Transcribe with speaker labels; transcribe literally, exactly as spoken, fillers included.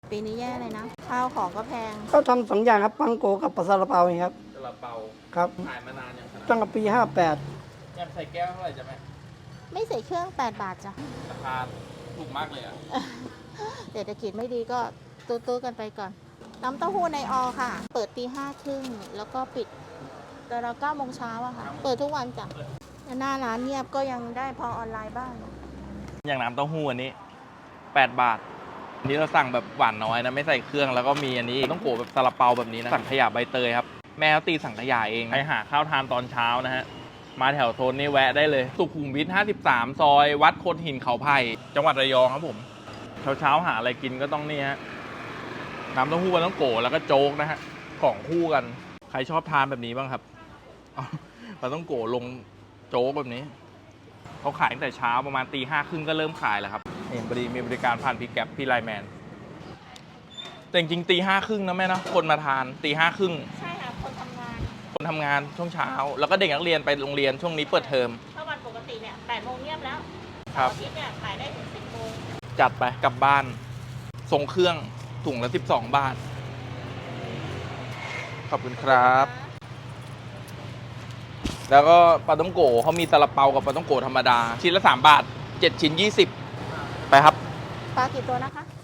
Speaker 1: ปีนี้แย่เลยนะ ข้าวของก็แพง
Speaker 2: ก็ทำสองอย่างครับปังโกกับปลาซาลาเปาเองครับ
Speaker 3: ซาลาเปา
Speaker 2: ครับ
Speaker 3: ขายมานานยังขนาด
Speaker 2: ตั้งแต่ปีห้าแปด
Speaker 3: ยังใส่แก้วเท่าไหร่จะไหม
Speaker 1: ไม่ใส่เครื่องแปดบาทจ้ะ
Speaker 3: ราคาถูกมากเลยอ่ะ
Speaker 1: เศรษฐกิจไม่ดีก็ตู้ๆกันไปก่อน น้ำเต้าหู้ในออค่ะ เปิดตีห้าครึ่งแล้วก็ปิดแต่เราเก้าโมงเช้าอะค่ะ เปิดทุกวันจ้ะหน้าร้านเงียบก็ยังได้พอออนไลน์บ้าง
Speaker 3: อย่างน้ำเต้าหู้อันนี้แปดบาทอันนี้เราสั่งแบบหวานน้อยนะไม่ใส่เครื่องแล้วก็มีอันนี้ต้องโกะแบบซาลาเปาแบบนี้นะสั่งขยะใบเตยครับแม่เขาตีสั่งขยะเองไปหาข้าวทานตอนเช้านะฮะมาแถวโซนนี้แวะได้เลยสุขุมวิทห้าสิบสามซอยวัดโคดหินเขาไผ่จังหวัดระยองครับผมเช้าเช้าๆหาอะไรกินก็ต้องนี่ฮะน้ำเต้าหู้ปลาต้องโกะแล้วก็โจ๊กนะฮะของคู่กันใครชอบทานแบบนี้บ้างครับเอาปลาต้องโกะลงโจ๊กแบบนี้เขาขายตั้งแต่เช้าประมาณตีห้าครึ่งก็เริ่มขายแล้วครับเห็นบริมีบริการผ่านพี่แก๊ปพี่ไลน์แมนแต่จริงๆตีห้าครึ่งนะแม่นะคนมาทานตีห้าครึ่ง
Speaker 1: ใช่ค่ะ คนทำงาน
Speaker 3: คนทำงานช่วงเช้า แล้วก็เด็กนักเรียนไปโรงเรียนช่วงนี้เปิดเทอม
Speaker 1: ถ้าวันปกติเนี่ยแปดโมงเงียบแล้ว
Speaker 3: ครับ
Speaker 1: อาทิตย์เนี่ยขายได้ถึงสิบโมง
Speaker 3: จัดไปกลับบ้านส่งเครื่องถุงละสิบสองบาท ขอบคุณครับ แล้วก็ปลาต้องโกะเขามีซาลาเปากับปลาต้องโกะธรรมดา ชิ้นละสามบาทเจ็ดชิ้นยี่สิบไปครับ
Speaker 1: ปลากี่ตัวนะคะ